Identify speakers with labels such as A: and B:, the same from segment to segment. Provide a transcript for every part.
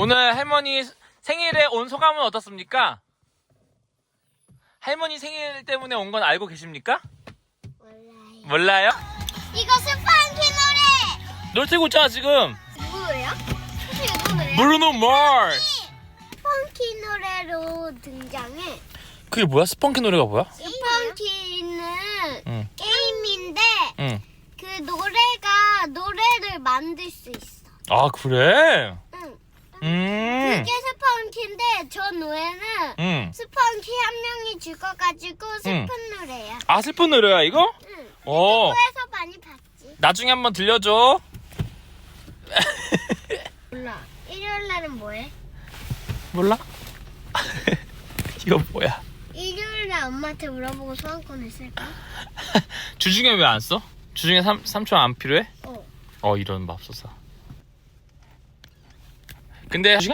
A: 오늘 할머니 생일에 온 소감은 어떻습니까? 할머니 생일 때문에 온 건 알고 계십니까? 몰라요?
B: 이거 스펀키 노래!
A: 노래 틀고 있잖아 지금.
B: 뭐예요? 사실 이거 노래야?
A: 브루노 마스.
B: 스펀키 노래로 등장해.
A: 그게 뭐야? 스펀키 노래가 뭐야?
B: 스펀키는
A: 응.
B: 게임인데
A: 응.
B: 그 노래를 만들 수 있어.
A: 아 그래?
B: 응. 그게 스펀키인데 저 노래는 스펀키 한 명이 죽어가지고 슬픈 노래야.
A: 아 슬픈 노래야 이거?
B: 응.
A: 어.
B: 유튜브에서 많이 봤지.
A: 나중에 한번 들려줘.
B: 몰라. 일요일 날은 뭐해?
A: 몰라? 이거 뭐야?
B: 일요일 날 엄마한테 물어보고 소원권을 쓸까?
A: 주중에 왜 안 써? 주중에 3초 안 필요해? 이런 맙소사. 근데 주중에?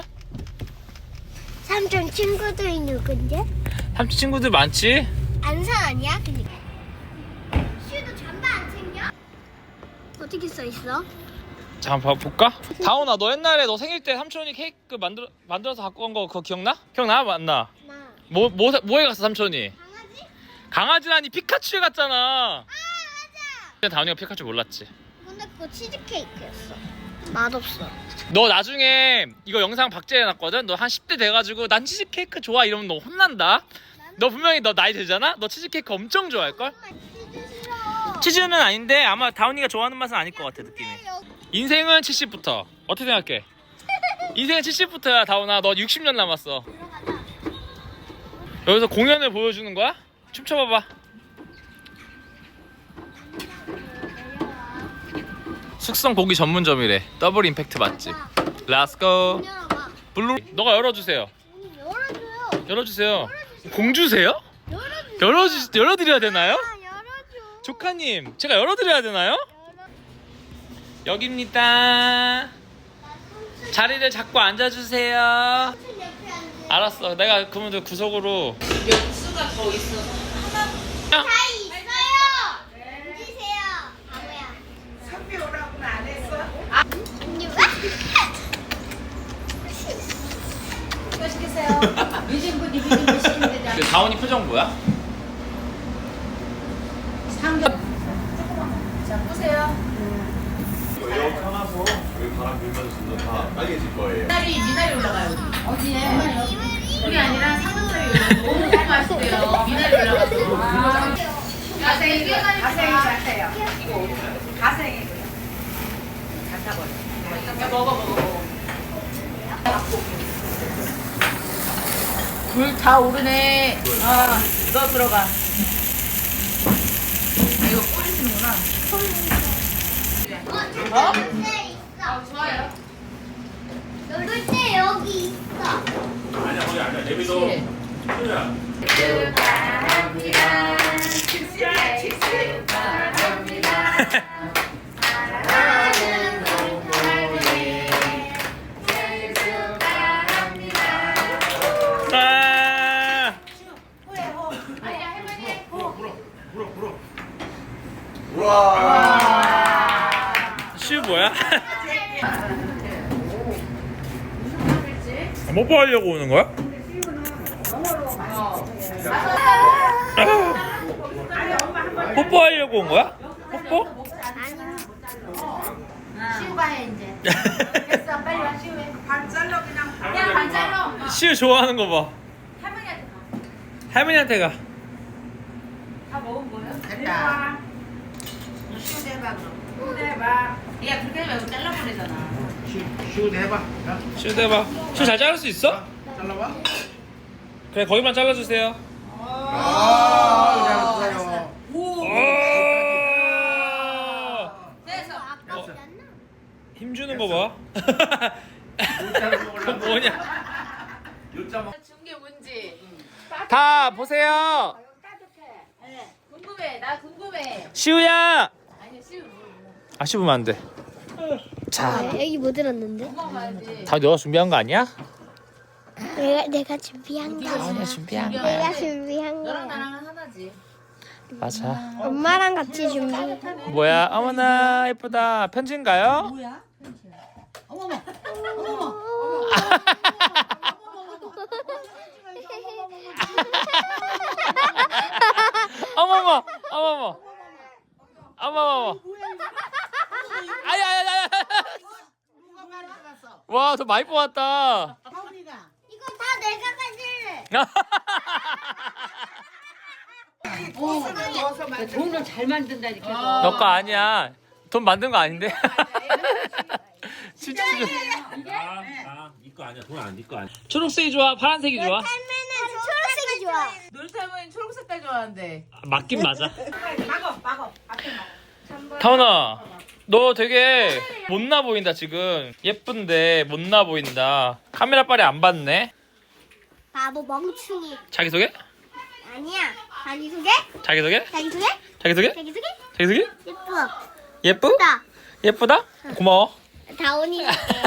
B: 삼촌 친구들이 누군데?
A: 삼촌 친구들 많지?
B: 안산 아니야? 그니까. 슈도 잠바 안 챙겨? 어떻게 써 있어?
A: 잠깐 볼까? 다온아 너 옛날에 너 생일 때 삼촌이 케이크 만들어서 갖고 온 거 그거 기억나? 기억나? 맞나?
B: 나.
A: 뭐에 갔어 삼촌이?
B: 강아지?
A: 강아지라니 피카츄에 갔잖아.
B: 아 맞아.
A: 근데 다온이가 피카츄 몰랐지.
B: 근데 그거 치즈케이크였어. 맛없어.
A: 너 나중에 이거 영상 박제해놨거든? 너 한 10대 돼가지고 난 치즈케이크 좋아 이러면 너 혼난다. 너 분명히 너 나이 되잖아? 너 치즈케이크 엄청 좋아할걸?
B: 치즈 싫어.
A: 치즈는 아닌데 아마 다운이가 좋아하는 맛은 아닐 것 같아 느낌이. 인생은 70부터 어떻게 생각해? 인생은 70부터야 다운아. 너 60년 남았어. 여기서 공연을 보여주는 거야? 춤춰봐봐. 숙성 고기 전문점이래. 더블 임팩트 맛집. 렛츠고.
B: 열어봐.
A: 블루. 너가 열어주세요.
B: 열어줘요.
A: 열어주세요. 공주세요?
B: 열어주세요.
A: 열어드려야 되나요?
B: 아, 열어줘.
A: 조카님 제가 열어드려야 되나요? 여기입니다. 자리를 잡고 앉아주세요.
B: 삼촌 옆에 앉아.
A: 알았어. 내가 그러면 구석으로.
C: 육수가 더 있어서
B: 다 있어요. 앉으세요. 바보야.
C: 선배 오라고는 안 했어? 이거 시키세요. 미진분이 미진분 시키면 되잖아.
A: 다운이 표정 뭐야?
C: 상점. 자, 보세요.
D: 여기 펴놔서 여기 바람 불면서 다 빨개질 거예요.
C: 미나리 올라가요. 어디에? 그게 아니라 상점에 너무 맛있대요. 미나리 올라가서. 가생이 자세요. 가생이. 갖다 버려. 야, 먹어. 불 다 오르네. 아, 너 들어가. 이거 뿌리시는구나.
B: 놀때 있어.
C: 좋아요.
B: 놀 때 여기 있어.
D: 아니야 거기 아니야. 내비도 소리야.
C: 축하합니다. 축하합니다. 사랑하는 동물이 생일 축하합니다.
A: 아
C: 아니야 할머니.
D: 불어. 우와.
A: 슈 뭐야? 뽀뽀하려고 오는 거야? 뽀뽀하려고 온 거야? 뽀뽀?
C: 시우가 해 이제. 됐어 빨리 와 시우 해. 반 잘라 그냥 반 잘라.
A: 슈 좋아하는 거 봐.
C: 할머니한테 가.
A: 할머니한테 가.
C: 다 먹은 거예요? 됐다. 시우도 해봐 그럼. 시우도 해봐. 얘가 그렇게 하지 말고 잘라버리잖아.
D: 쉬우도 해봐. 야,
A: 슈 해봐. 슈 잘 자를 수 있어?
D: 잘라봐.
A: 그래 거기만 잘라주세요.
D: 잘했어요.
C: 오. 됐어.
A: 힘 주는 거 봐. 그건 뭐냐?
C: 준게 뭔지.
A: 다 보세요.
C: 궁금해. 나 궁금해.
A: 시우야.
C: 아니 시우.
A: 아 씹으면 안 돼. 자,
B: 여기 못 들었는데?
C: 먹어봐야지.
A: 다 너가 준비한 거 아니야?
B: 내가 준비한 거.
A: 다운이 준비한
B: 내가
A: 거야.
B: 준비한
C: 너랑
B: 거야.
C: 나랑은 하나지.
A: 맞아.
B: 엄마랑 같이 준비.
A: 뭐야? 어머나 예쁘다. 편지인가요?
C: 뭐야? 어머머. 어머머.
A: 많이 뽑았다.
C: 하은이가.
B: 이거 다 내가 가질래.
C: 돈을 잘 만든다 이렇게.
A: 너 거 아니야. 돈 만든 거 아닌데. 진짜
E: 이거 아니야. 돈 안, 이거 아니야.
A: 초록색이 좋아? 파란색이 좋아?
B: 삶에는 초록색이 좋아.
C: 놀살머니 초록 색깔 좋아하는데.
A: 맞긴 맞아.
C: 막어. 앞에 막어.
A: 타원아, 너 되게 못나 보인다 지금. 예쁜데 못나 보인다. 카메라 빨리 안 봤네.
B: 바보 멍충이.
A: 자기소개?
B: 아니야. 자기소개?
A: 자기소개?
B: 자기소개?
A: 자기소개?
B: 자기소개?
A: 자기소개?
B: 예뻐.
A: 예쁘다? 예쁘다? 고마워.
B: 다온이.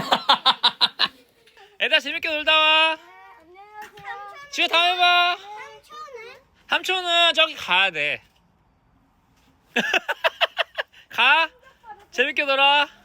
A: 애들 재밌게 놀다 와. 지우 다음에 봐. 삼촌은 저기 가야 돼. 가. 재밌게 놀아.